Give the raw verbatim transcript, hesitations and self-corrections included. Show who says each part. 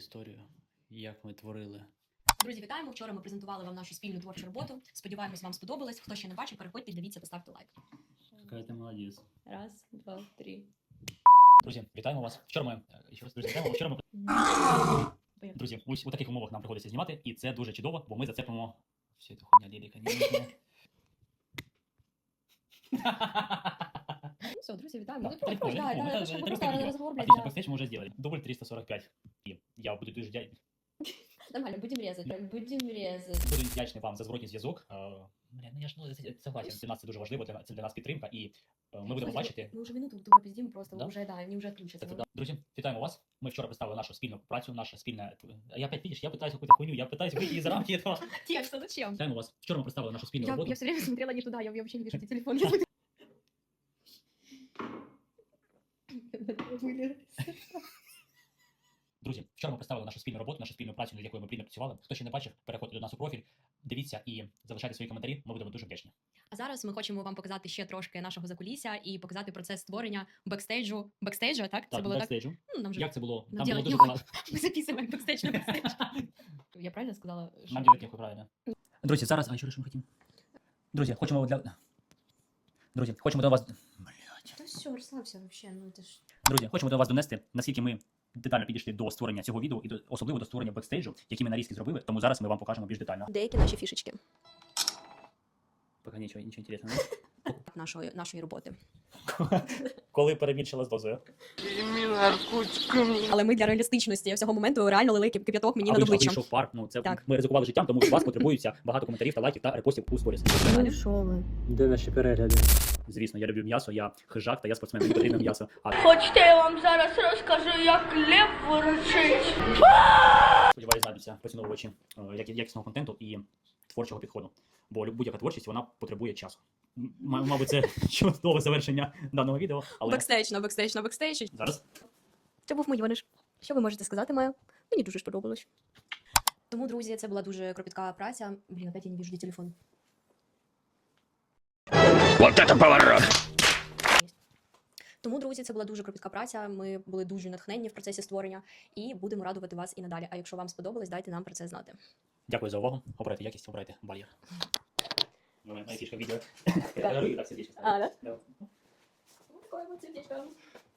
Speaker 1: історію, як ми творили.
Speaker 2: Друзі, вітаємо! Вчора ми презентували вам нашу спільну творчу роботу. Сподіваємось, вам сподобалось. Хто ще не бачив, переходьте, дивіться та ставте лайк.
Speaker 1: Яка ти молодець.
Speaker 2: Раз, два, три.
Speaker 1: Друзі, вітаємо вас. Вчора ми ще раз друзі, вітаємо. Вчора ми друзі, ось у таких умовах нам приходиться знімати, і це дуже чудово, бо ми зацепимо всю цю хуйня лірика.
Speaker 2: Ну все, друзі, вітаємо.
Speaker 1: Да,
Speaker 2: Ну, просто,
Speaker 1: прикольно,
Speaker 2: да,
Speaker 1: прикольно.
Speaker 2: да,
Speaker 1: Это-
Speaker 2: это
Speaker 1: это
Speaker 2: просто
Speaker 1: прикольно.
Speaker 2: разговор, блядь,
Speaker 1: Отлично,
Speaker 2: да.
Speaker 1: бэкстейдж мы уже сделали. Дубль триста сорок пять. И я буду дуже вдя...
Speaker 2: Нормально, будемо різати, будемо різати.
Speaker 1: буду вдячний вам за зворотній зв'язок. Е, Бля, ну я ж ну, це- согласен, для нас це дуже важливо, для, це для нас підтримка, і е, ми будемо бачити.
Speaker 2: Ми вже минуту тупо пиздимо, просто
Speaker 1: Да?
Speaker 2: вже, да, вони вже відключаться.
Speaker 1: Це, да. Друзі, вітаємо вас. Ми вчора представили нашу спільну працю, наша спільна... А я опять, видиш, я питаюсь какую-то хуйню, я питаюсь вийти із рамки этого.
Speaker 2: Текста, зачем?
Speaker 1: Вітаємо вас. Вчора ми представили нашу спільну
Speaker 2: Я,
Speaker 1: роботу.
Speaker 2: я все время смотрела не туда, я, я вообще не вижу эти телефоны.
Speaker 1: Друзі, вчора ми представили нашу спільну роботу, нашу спільну працю, над якою ми плідно працювали. Хто ще не бачив, переходьте до нас у профіль, дивіться і залишайте свої коментарі, ми будемо дуже вдячні.
Speaker 2: А зараз ми хочемо вам показати ще трошки нашого закулісся і показати процес створення бекстейджу. Бекстейджу, так? Це
Speaker 1: Так,
Speaker 2: було так?
Speaker 1: бекстейджу.
Speaker 2: Ну, нам же
Speaker 1: Як це було?
Speaker 2: Нам
Speaker 1: Там було
Speaker 2: делать
Speaker 1: дуже
Speaker 2: нехуй.
Speaker 1: багато.
Speaker 2: ми записуємо як бекстейдж на бекстейдж. Я правильно сказала? що-
Speaker 1: Нам делать нехуй, правильно. Друзі, зараз, а що ми хотімо? Друзі, хочемо для... Друзі, хочемо до вас... Блядь.
Speaker 2: Та все, розслабся вообще, ну це ж...
Speaker 1: Друзі, хочемо до вас донести, наскільки ми детально підійшли до створення цього відео і до, особливо до створення бекстейджу, які ми нарізки зробили, тому зараз ми вам покажемо більш детально.
Speaker 2: Деякі наші фішечки
Speaker 1: Поки нічого, нічого інтересного.
Speaker 2: нашої, нашої роботи.
Speaker 1: Коли перебільшила з дозою.
Speaker 2: Але ми для реалістичності всього моменту реально лили кип- кип'яток мені
Speaker 1: А
Speaker 2: над
Speaker 1: вийшов,
Speaker 2: обличчям.
Speaker 1: вийшов пар, ну це
Speaker 2: Так.
Speaker 1: ми ризикували життям, тому від вас потребується багато коментарів та лайків та репостів у сторіс.
Speaker 2: Далі.
Speaker 3: що ви?
Speaker 4: Де наші перегляди?
Speaker 1: Звісно, я люблю м'ясо, я хижак та я спортсмен, мені потрібно м'ясо. А
Speaker 5: Хочете, я вам зараз розкажу, як лев ворочить.
Speaker 1: сподіваюся, знайдуться поціновувачі е, як- якісного контенту і творчого підходу. Бо лю- будь-яка творчість, вона потребує часу. М- Мабуть, це чудове завершення даного відео, але
Speaker 2: Бекстейдж на бекстейдж на бекстейдж.
Speaker 1: зараз
Speaker 2: Це був мій ваниш. Що ви можете сказати, Майя? Мені дуже сподобалось. Тому, друзі, це була дуже кропітка праця. Блін, опять я не вижу, де телефон.
Speaker 1: Вот это поворот!
Speaker 2: Тому, друзі, це була дуже кропітка праця. Ми були дуже натхненні в процесі створення і будемо радувати вас і надалі. А якщо вам сподобалось, дайте нам про це знати.
Speaker 1: Дякую за увагу. Обирайте якість, обирайте бар'єр. Моя фішка відео.
Speaker 2: Так.
Speaker 1: Руки так сердечко
Speaker 2: А, да?
Speaker 1: ставлю.
Speaker 2: Ну, такое вот сердечко.